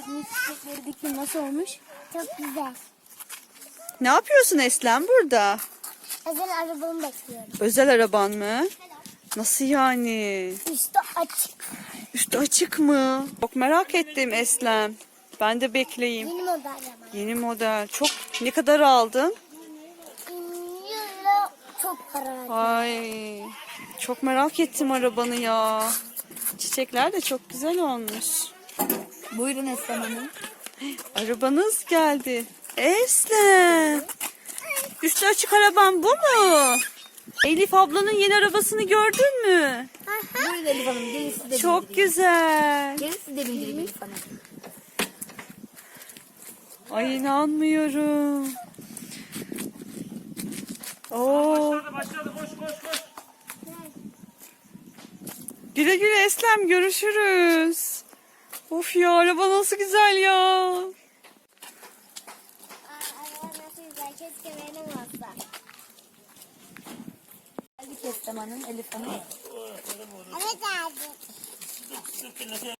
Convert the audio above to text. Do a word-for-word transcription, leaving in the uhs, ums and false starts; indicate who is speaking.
Speaker 1: gördüğünüz çiçekleri dikim nasıl olmuş?
Speaker 2: Çok güzel.
Speaker 3: Ne yapıyorsun Eslem burada?
Speaker 2: Özel arabamı bekliyorum.
Speaker 3: Özel araban mı? Nasıl yani?
Speaker 2: Üstü açık.
Speaker 3: Üstü açık mı? Çok merak ettim Eslem. Ben de bekleyeyim.
Speaker 2: Yeni model araba.
Speaker 3: Yeni model. Çok ne kadar aldın?
Speaker 2: Euro çok para.
Speaker 3: Ay, çok merak ettim arabanı ya. Çiçekler de çok güzel olmuş.
Speaker 1: Buyurun Eslem Hanım.
Speaker 3: Arabanız geldi. Eslem. Üstü açık araban bu mu? Elif ablanın yeni arabasını gördün mü?
Speaker 1: Buyurun Elif Hanım. Gelin siz de
Speaker 3: Çok
Speaker 1: bindireyim.
Speaker 3: güzel.
Speaker 1: Gelin siz de bindireyim Elif Hanım.
Speaker 3: Ay inanmıyorum. Oo.
Speaker 4: Başladı başladı koş koş koş.
Speaker 3: Güle güle Eslem, görüşürüz. Of ya, araba nasıl güzel ya.
Speaker 2: Araba nasıl güzel. Keşke benim olsa.
Speaker 1: Geldik Eslem Hanım, Elif Hanım.
Speaker 2: Evet abi.